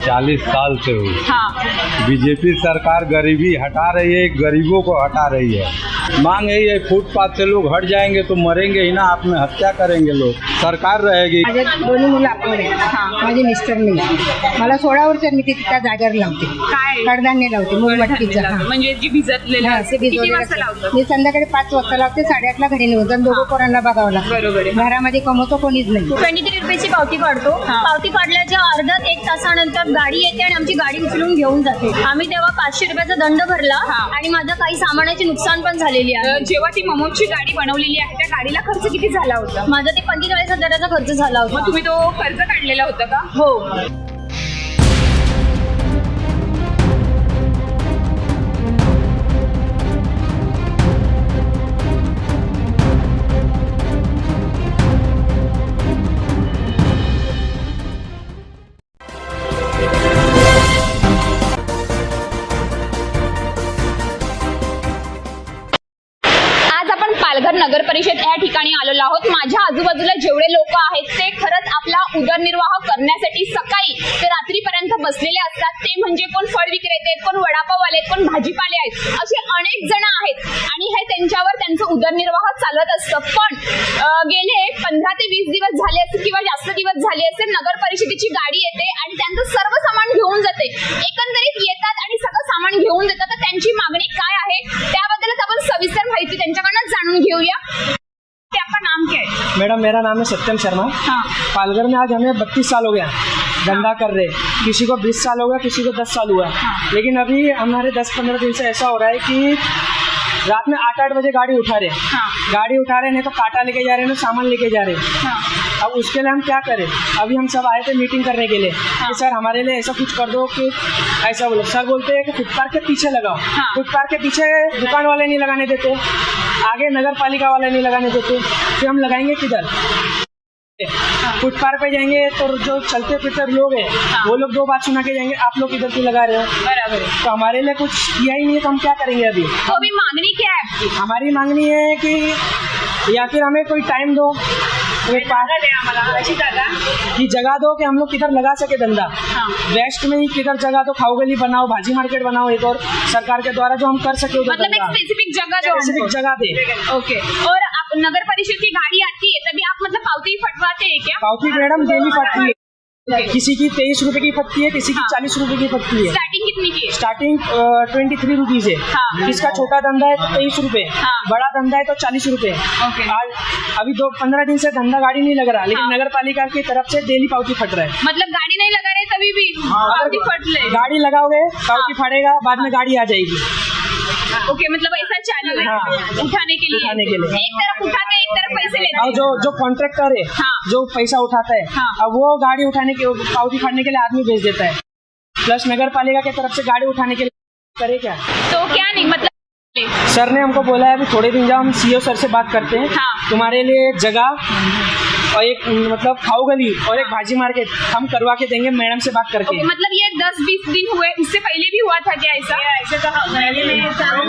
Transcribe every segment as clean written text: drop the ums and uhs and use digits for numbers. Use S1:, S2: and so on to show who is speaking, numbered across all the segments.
S1: 40 साल से हुई।
S2: हाँ।
S1: बीजेपी सरकार गरीबी हटा रही है, गरीबों को हटा रही है। मांग यही है, फुटपाथ से लोग हट जाएंगे तो मरेंगे ही ना, आत्महत्या करेंगे लोग, सरकार रहेगी।
S3: माझे दोन्ही मुलं अपंग आहेत, माझे मिस्टर नाही। मला 16 वर्ष मी त्या जागेवर लावते,
S2: काय
S3: कडधान्य लावते, मूगमटकीचं। हा.
S2: म्हणजे जी भिजतलेलं
S3: हा,
S2: असतं.
S3: ते
S2: किती वाजता
S3: भिजवलेलं
S2: लावतात?
S3: मी संध्याकाळी 5 वाजता लावते, 8:30ला घरी निघून जाऊन दोघं पोरांना बघावं लागतं।
S2: बरोबर आहे.
S3: घरामध्ये कमवतो कोणीच नाही।
S4: 23 रुपयाची पावती पाडतो। पावती पाडल्याच्या अर्ध्या 1 तासानंतर गाडी येते आणि आमची गाडी उचलून घेऊन जाते। आम्ही तेव्हा 500 रुपयाचा दंड भरला आणि माझं काही सामानाचे नुकसान पण झालेली आहे।
S2: जेव्हा ती ममोची गाडी बनवलेली आहे त्या गाडीला खर्च किती झाला होता?
S4: माझा ते 45,000चा खर्च झाला होता।
S2: मग तुम्ही तो खर्च काढलेला होता का?
S4: हो।
S2: पालघर नगर परिषद या ठिकाणी आलेलो आहोत। माझ्या आजूबाजूला जेवढे लोक आहेत ते खरंच आपला उदरनिर्वाह करण्यासाठी सकाळी ते रात्रीपर्यंत बसलेले असतात। ते म्हणजे कोण फळ विक्रेते, कोण वडापाववाले, कोण भाजीपाले आहेत, असे अनेक जण आहेत आणि हे त्यांच्यावर त्यांचं उदरनिर्वाह चालत असतं। पण गेले 15 ते 20 दिवस झाले असतील किंवा जास्त दिवस झाले असेल, नगर परिषदेची गाडी येते आणि त्यांचं सर्व सामान घेऊन जाते। एकंदरीत येतात आणि सगळं सामान घेऊन देतात। तर त्यांची मागणी काय आहे त्याबद्दलच आपण सविस्तर माहिती त्यांच्याकडून जाणून घेऊया। आपका नाम क्या है?
S5: मैडम मेरा नाम है सत्यम शर्मा।
S2: हाँ।
S5: पालघर में आज हमें 32 साल हो गया धंधा कर रहे। किसी को 20 साल हो गया, किसी को 10 साल हुआ। लेकिन अभी हमारे 10-15 दिन से ऐसा हो रहा है कि रात में 8-8 बजे गाड़ी उठा रहे। गाड़ी उठा रहे, नहीं तो कांटा लेके जा रहे, नहीं सामान लेके जा रहे। अब उसके लिए हम क्या करें? अभी हम सब आए थे मीटिंग करने के लिए कि सर हमारे लिए ऐसा कुछ कर दो कि ऐसा बोलो। सर बोलते हैं कि फुटपाथ के पीछे लगाओ। फुटपाथ के पीछे दुकान वाले नहीं लगाने देते, आगे नगर पालिका वाले नहीं लगाने देते, फिर हम लगाएंगे किधर? फुटपाथ पे जाएंगे तो जो चलते फिरते लोग हैं वो लोग 2 बात सुना के जाएंगे, आप लोग इधर क्यों लगा रहे हो?
S2: बराबर।
S5: तो हमारे लिए कुछ किया ही नहीं है, तो हम क्या करेंगे अभी?
S2: तो अभी मांगनी क्या है आपकी?
S5: हमारी मांगनी है कि या फिर हमें कोई टाइम दो, कि जगह दो कि हम लोग किधर लगा सके धंधा। वेस्ट में ही किधर जगह दो, खाऊ गली बनाओ, भाजी मार्केट बनाओ एक और सरकार के द्वारा जो हम कर सके उधर
S2: मतलब एक स्पेसिफिक जगह जो
S5: स्पेसिफिक जगह दे।
S2: ओके। और आप नगर परिषद की गाड़ी आती है तभी आप मतलब पावती फटवाते हैं क्या?
S5: पावती मैडम डेली फटती है। किसी की 23 रुपए की फटती है, किसी की 40 रुपए की फटती है।
S2: स्टार्टिंग कितनी की है?
S5: स्टार्टिंग 23 रुपीज है। जिसका छोटा धंधा है तो 23 रुपए, बड़ा धंधा है तो 40 रुपए। आज अभी 15 दिन से धंधा गाड़ी नहीं लग रहा, लेकिन नगर पालिका की तरफ से डेली पावती फट रहा है।
S2: मतलब गाड़ी नहीं लगा रहे तभी भी पावती फट रही है।
S5: गाड़ी लगाओगे पावती फटेगा, बाद में गाड़ी आ जाएगी।
S2: ओके, मतलब ऐसा चालू है उठाने के लिए। एक तरफ उठाते हैं, एक तरफ पैसे लेते
S5: और
S2: हैं।
S5: जो कॉन्ट्रैक्टर है जो पैसा उठाता है, अब वो गाड़ी उठाने के पावती फाड़ने के लिए आदमी भेज देता है, प्लस नगर पालिका की तरफ से गाड़ी उठाने के लिए करे क्या?
S2: तो क्या नहीं मतलब
S5: सर ने हमको बोला है अभी थोड़े दिन जाओ हम सीओ सर से बात करते हैं, तुम्हारे लिए एक जगह और एक मतलब खाऊ गली और एक भाजी मार्केट हम करवा के देंगे मैडम से बात करके।
S2: मतलब ये 10-20 दिन हुए, इससे पहले भी हुआ था क्या ऐसा?
S3: ऐसे तो महीने में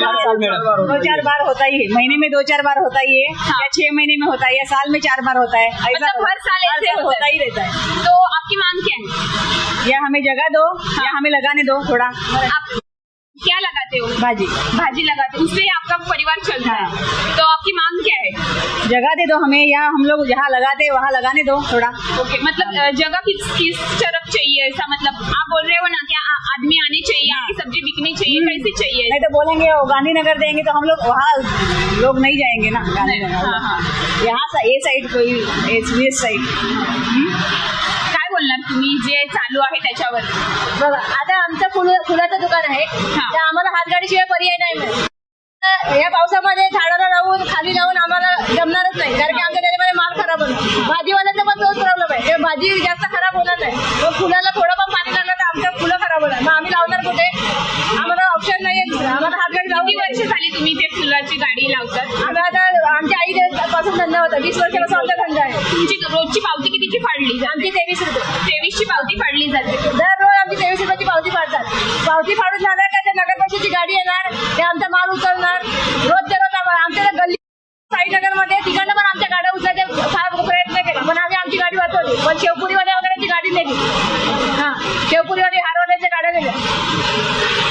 S5: 2-4
S3: बार होता ही है, महीने में 2-4 बार होता ही है, या 6 महीने में होता है, या साल में 4 बार होता है।
S2: मतलब हर साल ऐसे
S3: होता ही रहता है।
S2: तो आपकी मांग क्या है?
S3: या हमें जगह दो या हमें लगाने दो थोड़ा।
S2: आप क्या लगाते हो?
S3: भाजी
S2: लगाते हो, उससे आपका परिवार चलता है। तो आपकी मांग क्या है?
S3: जगह दे दो हमें, या हम लोग जहाँ लगाते हैं वहाँ लगाने दो थोड़ा।
S2: ओके, मतलब जगह किस तरफ चाहिए ऐसा? मतलब आप बोल रहे हो ना क्या आदमी आने चाहिए, आपकी सब्जी बिकनी चाहिए, कैसी चाहिए?
S3: नहीं तो बोलेंगे वो गांधीनगर देंगे तो हम लोग वहाँ लोग नहीं जाएंगे ना गांधीनगर। यहाँ ये साइड कोई वेस्ट साइड।
S2: काय बोलणार तुम्ही जे चालू आहे त्याच्यावर?
S4: बघा, आता आमचं फुलाचं दुकान आहे, तर आम्हाला हातगाडीशिवाय पर्याय नाही मिळत। या पावसामध्ये झाडाला राहून खाली राहून आम्हाला जमणारच नाही, कारण की आमच्या त्याच्यामध्ये माल खराब होणार। भाजीवाल्यांचा पण तोच प्रॉब्लेम आहे, भाजी जास्त खराब होणार नाही, मग फुलाला थोडं पण पाणी लागलं तर आमच्या फुलं खराब होणार, मग आम्ही लावणार कुठे? आम्हाला ऑप्शन नाही आहे, आम्हाला हातगाडी लावून।
S2: किती वर्ष झाली तुम्ही ते फुलाची गाडी लावतात?
S3: आम्ही आता आमच्या आई पासून धंदा होता, 20 वर्षापासून आमचा धंदा आहे।
S2: तुमची रोजची पावती कितीची फाडली जाते?
S3: आमची 23 रुपये
S2: 23ची पावती फाडली जाते।
S3: दररोज आमची 23 रुपयाची पावती फाडतात। पावती फाडून झालं का ते नगर परिषदेची गाडी येणार, ते आमचा माल उचलणार, रोजच्या रोज आमच्या गल्ली
S4: साईनगर मध्ये तिकडनं पण आमच्या गाड्या उचलायचा फार प्रयत्न केला, पण आम्ही आमची गाडी वाचवली. पण शेवपुरीवाल्या वगैरेची गाडी नेली. हा, शेवपुरीवाली हारवाल्याच्या गाड्या नेल्या.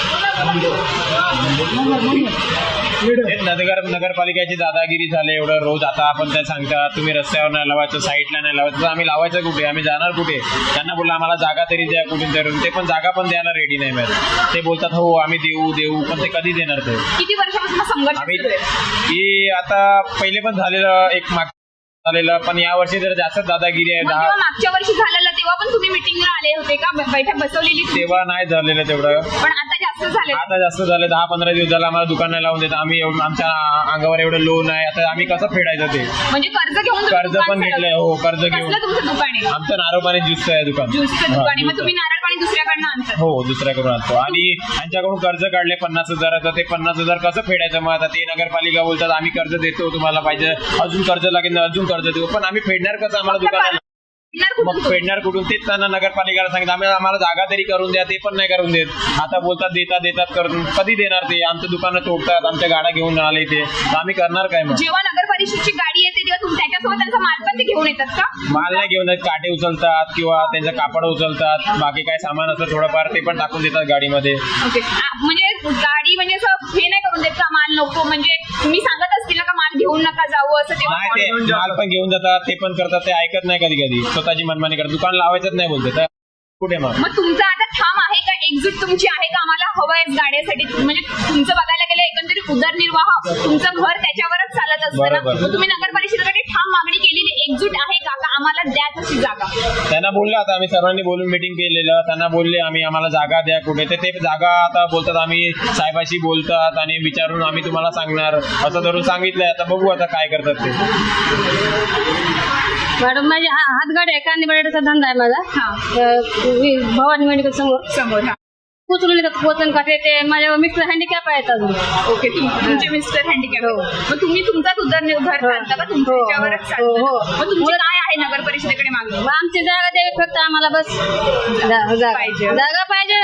S6: नगरपालिकेची दादागिरी झाले एवढं रोज. आता आपण त्या सांगतात तुम्ही रस्त्यावर नाही लावायचं, साईडला नाही लावायचं, तर आम्ही लावायचं कुठे, आम्ही जाणार कुठे? त्यांना बोललं आम्हाला जागा तरी द्या कुठून तरी, ते पण जागा पण द्यायला रेडी नाही मिळत. ते बोलतात हो आम्ही देऊ, पण ते कधी देणार? ते
S2: किती वर्षापासून संघर्ष
S6: आम्ही
S2: सुरू आहे?
S6: की आता पहिले पण झालेलं एक माग झालेलं, पण यावर्षी जर जास्त दादागिरी आहे.
S2: मग जेव्हा मागच्या वर्षी झालेलं तेव्हा पण तुम्ही मिटिंगला आले होते का? बैठक बसवलेली होती?
S6: तेव्हा नाही झालेलं तेवढं,
S2: पण आता जास्त झाले.
S6: आता जास्त झालं. 10-15 दिवस झालं आम्हाला दुकान नाही लावून देत. आम्ही आमच्या अंगावर एवढं लोन आहे, आता आम्ही कसं फेडायचं? ते
S2: म्हणजे कर्ज घेऊन तुम्ही
S6: कर्ज
S2: दुकान
S6: पण घेतलंय.
S2: चालवता?
S6: हो, कर्ज घेऊन.
S2: कसलं तुमचं दुकान आहे?
S6: आमचं नारळ पाणी ज्यूसचं आहे दुकान.
S2: ज्यूसचं दुकान आहे.
S6: हा,
S2: मग तुम्ही नारळ पाणी दुसऱ्याकडनं आणता?
S6: हो, दुसऱ्याकडून आणतो. आणि त्यांच्याकडून कर्ज काढले 50,000. ते 50,000 कसं फेडायचं? मग आता ते नगरपालिका बोलतात आम्ही कर्ज देतो, तुम्हाला पाहिजे अजून कर्ज लागेल, अजून कर्ज देऊ, पण आम्ही फेडणार कसं? आम्हाला दुकान मग फेडणार कुठून? तेच त्यांना नगरपालिकेला सांगितलं आम्हाला जागा तरी करून द्या, ते पण नाही करून देत. आता बोलतात देतात करून, कधी देणार? ते आमचं दुकानं तोडतात, आमच्या गाड्या घेऊन आले ते, आम्ही करणार काय? मग
S2: जेव्हा नगर परिषदची गाडी येते तेव्हा तुम्ही त्याच्यासोबत त्यांचा माल पण ते घेऊन येतात का?
S6: माल नाही घेऊन येत, काटे उचलतात किंवा त्यांचं कापड उचलतात, बाकी काय सामान असतं थोडंफार ते पण टाकून देतात गाडीमध्ये.
S2: ओके. म्हणजे गाडी म्हणजे असं हे नाही करून देत का माल नको? म्हणजे तुम्ही सांगत असतील ना का माल घेऊन नका जाऊ असं? तेव्हा
S6: नाही, ते माल पण घेऊन जातात, ते पण करतात, ते ऐकत नाही कधी स्वतःची मनमानी करतात. दुकान लावायचंच नाही बोलते, तर कुठे मग
S2: तुमचा आता ठाम आहे का? एक्झिट तुमची आहे का? आम्हाला हवं आहे गाड्यासाठी? म्हणजे तुमचं बघायला गेलं एकंदरीत उदरनिर्वाह तुमचं घर त्याच्यावरच चालत असतं ना.
S6: बरोबर.
S2: मग तुम्ही नगर परिषदेकडे ठाम मागणी केलेली, एक्झिट आहे का आम्हाला द्या तशी जागा?
S6: त्यांना बोललं, आता आम्ही सर्वांनी बोलून मिटिंग केलेलं, त्यांना बोलले आम्हाला जागा द्या कुठे, तर ते जागा आता बोलतात आम्ही साहेबाशी बोलतात आणि विचारून आम्ही तुम्हाला सांगणार असं धरून सांगितलंय. आता बघू आता काय करतात ते.
S4: मॅडम माझी हातगाडी आहे, कांदे बटाट्याचा धंदा आहे माझा. भवानी मेडिकल समोर उचलून येतात पोचन काटे. ते माझ्या मिस्टर हँडिकॅप आहेत अजून.
S2: ओके. तुमचे मिस्टर हँडिकॅप. मग तुम्ही तुमचाच उदरनिर्वाह चालता का? तुमच्यावरच चालतं? मग तुमची काय आहे नगर परिषदेकडे मागणी?
S4: आमची जागा द्यावी फक्त आम्हाला, बस
S2: पाहिजे.
S4: जागा पाहिजे.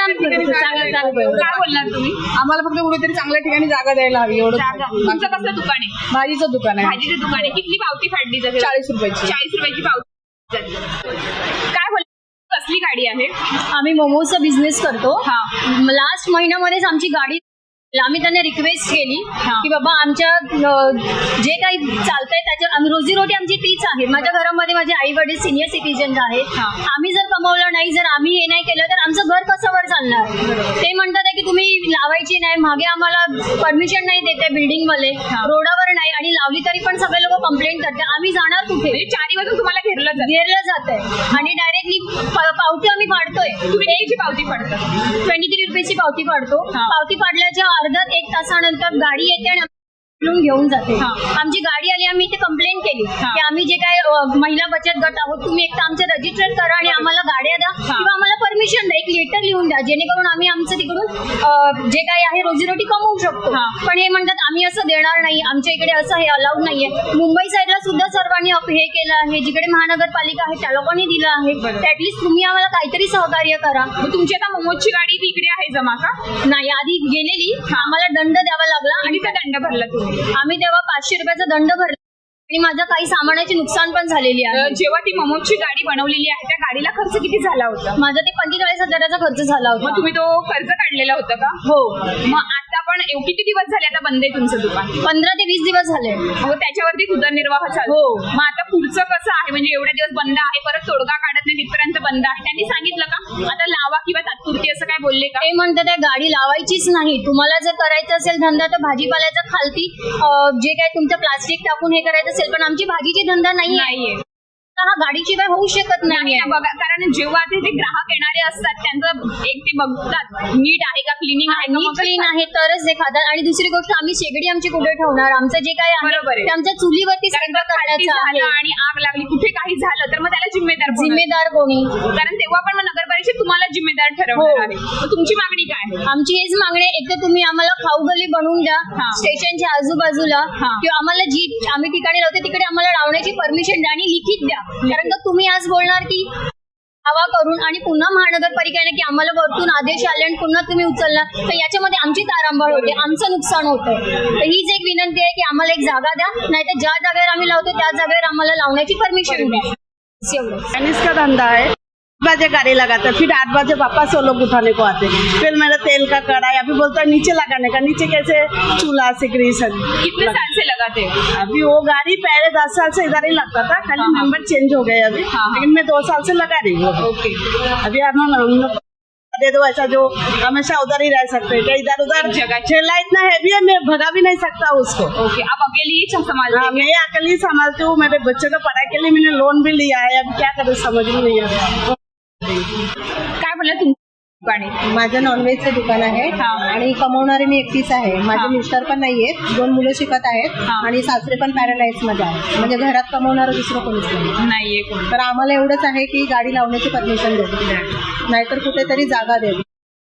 S2: काय बोलणार तुम्ही?
S3: आम्हाला फक्त कुठेतरी चांगल्या ठिकाणी जागा द्यायला हवी, एवढं.
S2: जागा. तुमचं कसलं दुकान आहे?
S3: भाजीचं दुकान आहे.
S2: भाजीचं दुकान आहे. किती पावती फाडली जाते?
S3: 40 रुपयाची.
S2: 40 रुपयाची पावती जाते. काय बोल कसली गाडी आहे?
S4: आम्ही मोमोजचा बिझनेस करतो.
S2: हा.
S4: लास्ट महिन्यामध्येच आमची गाडी, आम्ही त्यांना रिक्वेस्ट केली की बाबा आमच्या जे काही चालतंय त्याच्यावर रोजीरोटी आमची तीच आहे. माझ्या घरामध्ये माझे आई वडील सिनियर सिटीजन आहेत. आम्ही जर कमवलं नाही, जर आम्ही हे नाही केलं तर आमचं घर कसं वर चालणार? ते म्हणतात की तुम्ही लावायची नाही, मागे आम्हाला परमिशन नाही देते बिल्डिंग मध्ये, रोडावर नाही, आणि लावली तरी पण सगळे लोक कंप्लेंट करतात. आम्ही जाणार कुठे?
S2: चारी वाजून तुम्हाला घेरलं
S4: जात आहे आणि डायरेक्टली पावती आम्ही पाडतोय.
S2: तुम्ही कितीची पावती फाडता?
S4: 23 रुपयाची पावती पाडतो. पावती पाडल्याच्या अर्धा 1 तासानंतर गाडी येते आणि घेऊन जाते. आमची गाडी आली, आम्ही इथे कंप्लेंट केली की आम्ही जे काय महिला बचत गट आहोत, तुम्ही एकदा आमचं रजिस्टर करा आणि आम्हाला गाड्या द्या किंवा आम्हाला परमिशन द्या, एक लेटर लिहून द्या, जेणेकरून आम्ही आमचं तिकडून जे काही आहे रोजीरोटी कमवू शकतो. पण हे म्हणतात आम्ही असं देणार नाही, आमच्या इकडे असं हे अलाउड नाहीये. मुंबई साईडला सुद्धा सर्वांनी हे केलं आहे, जिकडे महानगरपालिका आहे त्या लोकांनी दिलं आहे. ऍटलीस्ट तुम्ही आम्हाला काहीतरी सहकार्य करा.
S2: तुमची आता मोमोजची गाडी ती इकडे आहे जमा का?
S4: नाही, आधी गेलेली, आम्हाला दंड द्यावा लागला आणि
S2: त्या दंड भरला तुम्ही?
S4: आम्ही तेव्हा 500 रुपयाचा दंड भरला आणि माझं काही सामानाची नुकसान पण झालेली आहे.
S2: जेव्हा ती मोमोजची गाडी बनवलेली आहे त्या गाडीला खर्च किती झाला होता?
S4: माझा ते 45,000चा खर्च झाला होता.
S2: मग तुम्ही तो कर्ज काढलेला होता का?
S4: हो.
S2: मग आता पण किती दिवस झाले आता बंद आहे तुमचं दुकान?
S4: 15 ते 20 दिवस झाले.
S2: मग त्याच्यावरती उदरनिर्वाह चालू. मग आता पुढचं कसं आहे? म्हणजे एवढे दिवस बंद आहे, परत तोडगा काढत नाही तिथपर्यंत बंद आहे. त्यांनी सांगितलं का आता लावा किंवा तात्पुरती असं काय बोलले का?
S4: ते म्हणतात त्या गाडी लावायचीच नाही, तुम्हाला जर करायचं असेल धंदा तर भाजीपाल्याचा खालती जे काय तुमचं प्लास्टिक टाकून हे करायचं असेल, पण आमची भाजीची धंदा नाहीये. हा गाडीशिवाय होऊ शकत नाही.
S2: बघा, कारण जेव्हा ते ग्राहक येणारे असतात त्यांचं एक ते बघतात नीट आहे का, क्लिनिंग आहे का,
S4: क्लीन आहे तरच ते खातात. आणि दुसरी गोष्ट, आम्ही शेगडी आमची कुठे ठेवणार? आमचं जे काय आहे ते आमच्या चुलीवरती स्वयंपाक करायचं आहे.
S2: आणि आग लागली, कुठे काही झालं तर मग त्याला
S4: जिम्मेदार कोणी?
S2: कारण तेव्हा पण मग नगर परिषद तुम्हाला जिम्मेदार ठरवणार आहे. मग तुमची मागणी काय?
S4: आमची हेच मागणी आहे, एक तर तुम्ही आम्हाला खाऊ गली बनवून द्या स्टेशनच्या आजूबाजूला, किंवा आम्हाला जी आम्ही ठिकाणी लावतो तिकडे आम्हाला लावण्याची परमिशन द्या आणि लिखित द्या. कारण का तुम्ही आज बोलणार की दावा करून आणि पुन्हा महानगरपालिकेने की आम्हाला वरतून आदेश आले आणि पुन्हा तुम्ही उचलला तर याच्यामध्ये आमची तारांबळ होते, आमचं नुकसान होतं. तर हीच एक विनंती आहे की आम्हाला एक जागा द्या, नाहीतर ज्या जागेवर आम्ही लावतो त्या जागेवर आम्हाला लावण्याची परमिशन द्या. एवढं.
S3: चाइनीज का धंधा है. 8 बजे गाड़ी लगाता है, फिर 8 बजे वापस वो लोग उठाने को आते हैं. फिर मेरा तेल का कढ़ाई अभी बोलता है नीचे लगाने का, नीचे कैसे चूल्हा सिकरी सब.
S2: कितने साल से लगाते हो?
S3: अभी वो गाड़ी पहले 10 साल से इधर ही लगता था, खाली नंबर चेंज हो गए अभी. लेकिन मैं 2 साल से लगा रही हूँ. अभी हम लोग दे दो ऐसा जो हमेशा उधर ही रह सकते हैं. इधर उधर
S2: जगह
S3: ठेला इतना हैवी है, मैं भगा भी नहीं सकता उसको.
S2: ओके, आप अकेले ही संभालते
S3: हाँ,
S2: हैं?
S3: मैं अकेले ही संभालती हूँ. मेरे बच्चों का पढ़ाई के लिए मैंने लोन भी लिया है. अब क्या करूँ समझ में नहीं आता.
S2: काय बोलला तुमच्या दुकाने?
S7: माझं नॉनव्हेजचं दुकान आहे आणि कमवणारे मी एकटीच आहे. माझे मिस्टर पण नाहीयेत, 2 मुलं शिकत आहेत आणि सासरे पण पॅरालाइज मध्ये आहेत. म्हणजे घरात कमवणारं दुसरं कोणीच नाही.
S2: नाहीये कोण.
S7: तर आम्हाला एवढंच आहे की गाडी लावण्याची परमिशन द्यावी, नाहीतर कुठेतरी जागा द्यावी.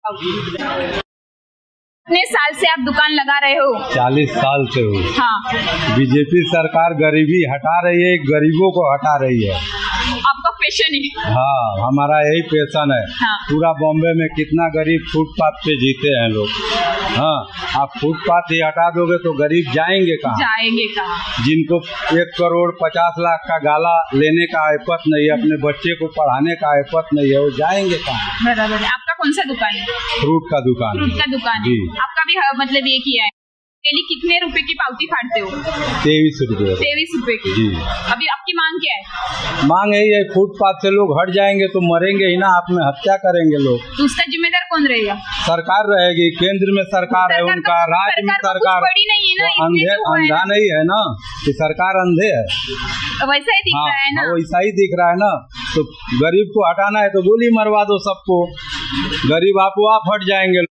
S2: कितने साल से आप दुकान लगा रहे हो?
S1: 40 साल से हो.
S2: हाँ,
S1: बीजेपी सरकार गरीबी हटा रही है, गरीबों को हटा रही है.
S2: आपका पैशन है?
S1: हाँ, हमारा यही पैशन है.
S2: हाँ।
S1: पूरा बॉम्बे में कितना गरीब फुटपाथ पे जीते हैं लोग. हाँ, आप फुटपाथ ही हटा दोगे तो गरीब जाएंगे कहाँ?
S2: जाएंगे कहाँ?
S1: जिनको 1 करोड़ 50 लाख का गाला लेने का आयपत नहीं है, अपने बच्चे को पढ़ाने का आयपत नहीं है, वो जाएंगे कहाँ?
S2: बराबर है. आपका कौन सा दुकान है?
S1: फ्रूट का दुकान
S2: फ्रूट
S1: है.
S2: का दुकान है.
S1: जी.
S2: आपका भी मतलब ये किया है. डेली कितने रुपए की पावती फाड़ते हो?
S1: 23 रुपये.
S2: 23 रुपए की.
S1: जी.
S2: अभी आपकी मांग क्या है?
S1: मांग यही है, फुटपाथ से लोग हट जाएंगे तो मरेंगे ही ना, आत्महत्या करेंगे लोग.
S2: तो उसका जिम्मेदार कौन रहेगा?
S1: सरकार रहेगी, केंद्र में सरकार है उनका, राज्य में
S2: सरकार तो
S1: सरकार.
S2: कुछ बड़ी नहीं है ना,
S1: वो
S2: इतने
S1: अंधे
S2: तो है
S1: अंधा
S2: ना.
S1: नहीं है ना कि सरकार अंधे है.
S2: वैसा ही दिख
S1: हाँ,
S2: रहा है ना.
S1: वैसा ही दिख रहा है ना. तो गरीब को हटाना है तो गोली मरवा दो सबको, गरीब आपो आप हट जाएंगे.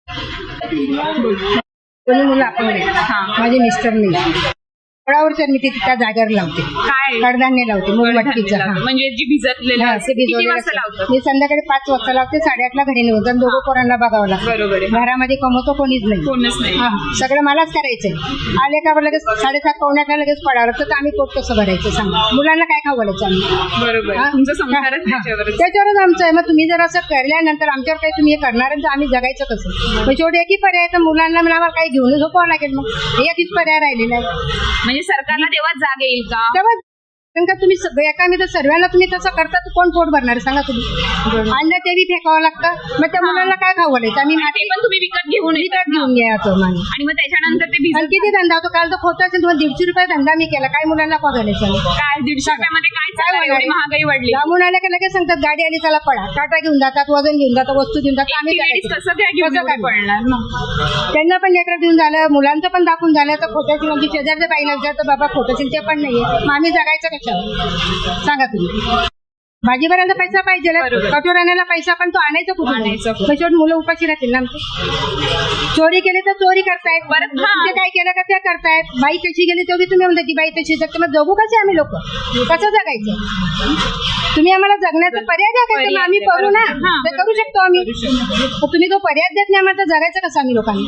S7: कोणी मुलं आपण माझे मिस्टर नाही. फळावरच्या मी त्या जागेवर लावते,
S2: काय?
S7: कडधान्य लावते, मोमबत्तीचं. हा.
S2: म्हणजे जी भिजतलेलं
S7: हा,
S2: असतं.
S7: ते
S2: किती
S7: भिजवलेलं
S2: वाजता
S7: असतं.
S2: लावतात?
S7: मी संध्याकाळी 5 वाजता लावते, 8:30ला घरी निघून जाऊन दोघं पोरांना बघावं लागतं.
S2: बरोबर आहे.
S7: घरामध्ये कमवतो कोणीच नाही.
S2: कोणच नाही.
S7: हा, सगळं मलाच करायचंय. आले का लगेच 7:30 पावण्याला लगेच पडावं लागतं. तर आम्ही पोट कसं भरायचं सांगा? मुलांना काय खाऊ घालायचं आम्ही?
S2: बरोबर.
S7: हा?
S2: तुमचं संसारच
S7: हा,
S2: त्याच्यावरच.
S7: त्याच्यावरच आमचं आहे. मग तुम्ही जर असं केल्यानंतर आमच्यावर काही तुम्ही हे करणार तर आम्ही जगायचं कसं? मग शेवटी एकही पर्याय तर मुलांना आम्हाला काही घेऊन झोपावं लागेल. मग एकच पर्याय राहिलेला आहे.
S2: म्हणजे सरकारला तेव्हा जाग येईल का?
S7: तेव्हा कारण का तुम्ही सगळ्या एका तर सर्वांना तुम्ही तसं करता तर कोण पोट भरणार सांगा तुम्ही? अन्न ते बी फेकावं लागतं. मग त्या मुलांना काय खाऊ घालायचं? आम्ही
S2: ते पण तुम्ही विकत घेऊन येतात
S7: विकत
S2: ना.
S7: घेऊन घ्यायचो माणूस.
S2: आणि मग त्याच्यानंतर ते
S7: आणि
S2: भिजत
S7: किती धंदा होतो? काल तर खोटा असेल तुम्हाला 150 रुपये धंदा मी केला. काय मुलांना खाऊ घालायचं?
S2: काय 150 रुपयामध्ये काय चालणार?
S7: होणार?
S2: एवढी महागाई वाढली.
S7: लांबून आल्या का लगेच सांगतात गाडी आली चला पडा. टाटा घेऊन जातात, वजन घेऊन जातात, वस्तू घेऊन जातात. आम्ही
S2: एकटी लेडीज कसं काय घेऊन
S7: कसं काय?
S2: पडणार ना?
S7: त्यांना पण लेटर देऊन झालं, मुलांचं पण दाखवून झालं. तर खोट्याची म्हणजे शेजारच्या बाईला विचारतं बाबा खोटं ते पण नाहीये. मग आम्ही जगायचं कशावर सांगा तुम्ही? भाजी भरायला पैसा पाहिजे,
S2: बरोबर.
S7: कठोर आणायला पैसा, पण तो आणायचा कुठून?
S2: आणायचा कुठून?
S7: मग शेवटी मुलं उपाशी राहतील ना आमची. चोरी केली तर चोरी करतायत,
S2: परत हा.
S7: ते काय केलं का ते करतायत. बाई कशी गेली तेवढी तुम्ही म्हणता ती बाई तशी जगते. मग जगू कसे आम्ही लोक? कसं जगायचं? तुम्ही आम्हाला जगण्याचा पर्याय द्या काय? तर आम्ही करू ना,
S2: हा.
S7: ते करू शकतो आम्ही. मग तुम्ही तो पर्याय देत नाही आम्हाला, तर जगायचं कसं आम्ही लोकांनी?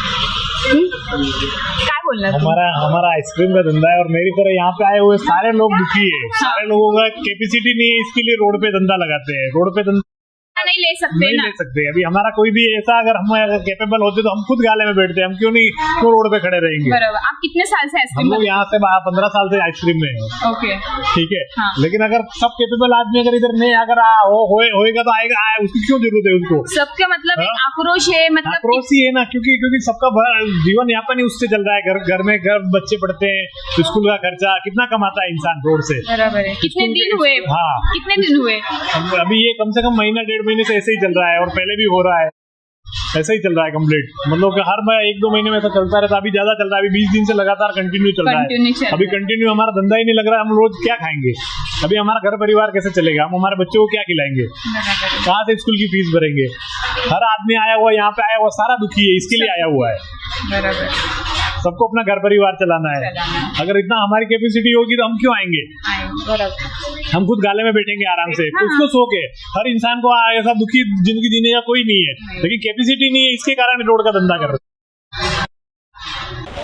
S2: काय बोलणार तुम्ही?
S8: हमारा आइसक्रीम का धंधा है और मेरी तरह यहाँ पे आए हुए सारे लोग दुखी है. सारे लोगों का कैपेसिटी नहीं है, इसके लिए रोड पे धंधा लगाते हैं. रोड पे धंधा
S2: नहीं ले सकते
S8: नहीं
S2: ना.
S8: ले सकते. अभी हमारा कोई भी ऐसा अगर हम कैपेबल होते तो हम खुद गाले में बैठते. हम क्यों नहीं क्यों रोड पे खड़े रहेंगे?
S2: बरोबर. आप कितने साल से
S8: हम
S2: आइसक्रीम
S8: लोग यहाँ से 15 साल से आइसक्रीम में है.
S2: ओके.
S8: ठीक है.
S2: हाँ.
S8: लेकिन अगर सब कैपेबल आदमी अगर इधर नहीं अगर होएगा तो आएगा. उसकी क्यों जरूरत है उसको?
S2: सबका मतलब एक आक्रोश है. मतलब
S8: आक्रोश ही है ना, क्योंकि सबका जीवन यापन ही उससे चल रहा है. घर में बच्चे पढ़ते हैं, स्कूल का खर्चा कितना कमाता है इंसान रोड से.
S2: बराबर है. कितने दिन हुए?
S8: हाँ.
S2: कितने दिन हुए?
S8: अभी ये कम से कम महीना 1.5 महीने से ऐसे ही चल रहा है और पहले भी हो रहा है. ऐसा ही चल रहा है कंप्लीट. मतलब कि हर 1-2 महीने में ऐसा चलता रहता. अभी ज्यादा चल रहा है. अभी 20 दिन से लगातार कंटिन्यू चल रहा है. अभी कंटिन्यू हमारा धंधा ही नहीं लग रहा है. हम रोज क्या खाएंगे? अभी हमारा घर परिवार कैसे चलेगा? हम हमारे बच्चों को क्या खिलाएंगे? कहाँ से स्कूल की फीस भरेंगे? हर आदमी आया हुआ यहाँ पे आया हुआ सारा दुखी है. इसके लिए आया हुआ है.
S2: बराबर.
S8: सबको अपना घर परिवार चलाना है. अगर इतना हमारी कैपेसिटी होगी तो हम क्यों आएंगे?
S2: बराबर.
S8: हम खुद गाले में बैठेंगे आराम से. उसको सो के हर इंसान को ऐसा दुखी जिंदगी जीने का कोई नहीं है, लेकिन कैपेसिटी नहीं है, इसके कारण रोड का धंधा कर रहे हैं.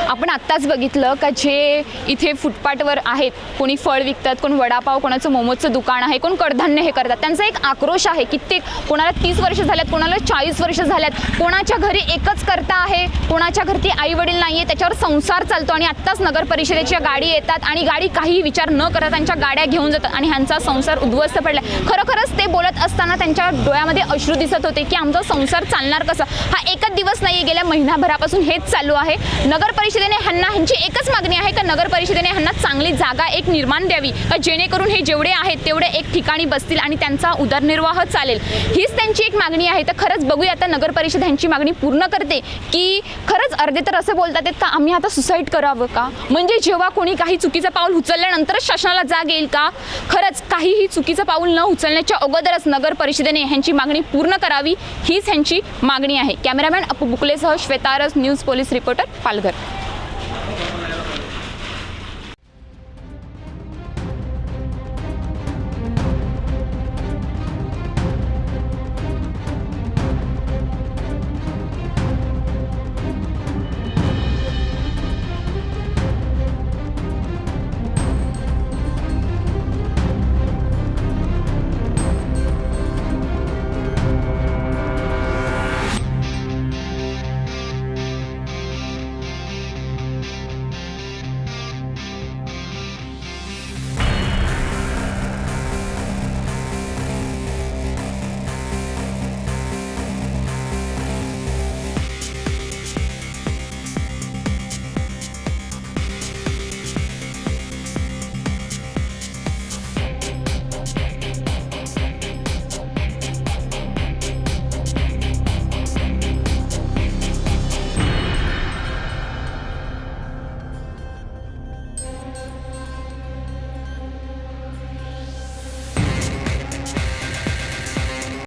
S2: आपण आत्ताच बघितलं का जे इथे फुटपाथवर आहेत, कोणी फळ विकतात, कोण वडापाव, कोणाचं मोमोजचं दुकान आहे, कोण कडधान्य हे करतात, त्यांचा एक आक्रोश आहे. कित्येक कोणाला 30 वर्ष झाल्यात, कोणाला 40 वर्ष झाल्यात, कोणाच्या घरी एकच करता आहे, कोणाच्या घरी आई वडील नाहीये, त्याच्यावर संसार चालतो आणि आत्ताच नगर परिषदेच्या गाडी येतात आणि गाडी काही विचार न करता त्यांच्या गाड्या घेऊन जातात आणि ह्यांचा संसार उद्ध्वस्त पडला. खरोखरच ते बोलत असताना त्यांच्या डोळ्यामध्ये अश्रू दिसत होते की आमचा संसार चालणार कसा. हा एकच दिवस नाही, गेल्या महिनाभरापासून हेच चालू आहे. नगर परिषदेने ह्यांची एकच मागणी आहे का नगर परिषदेने ह्यांना चांगली जागा एक निर्माण द्यावी, का जेणेकरून हे जेवढे आहेत तेवढे एक ठिकाणी बसतील आणि त्यांचा उदरनिर्वाह चालेल. हीच त्यांची एक मागणी आहे. तर खरंच बघूया आता नगर परिषद ह्यांची मागणी पूर्ण करते की खरंच. अर्धे तर असं बोलतात का आम्ही आता सुसाईड करावं का, म्हणजे जेव्हा कोणी काही चुकीचं पाऊल उचलल्यानंतरच शासनाला जाग येईल का. खरंच काहीही चुकीचं पाऊल न उचलण्याच्या अगोदरच नगर परिषदेने ह्यांची मागणी पूर्ण करावी, हीच ह्यांची मागणी आहे. कॅमेरामॅन अपू बुकलेसह श्वेतारस, न्यूज पोलीस रिपोर्टर, पालघर.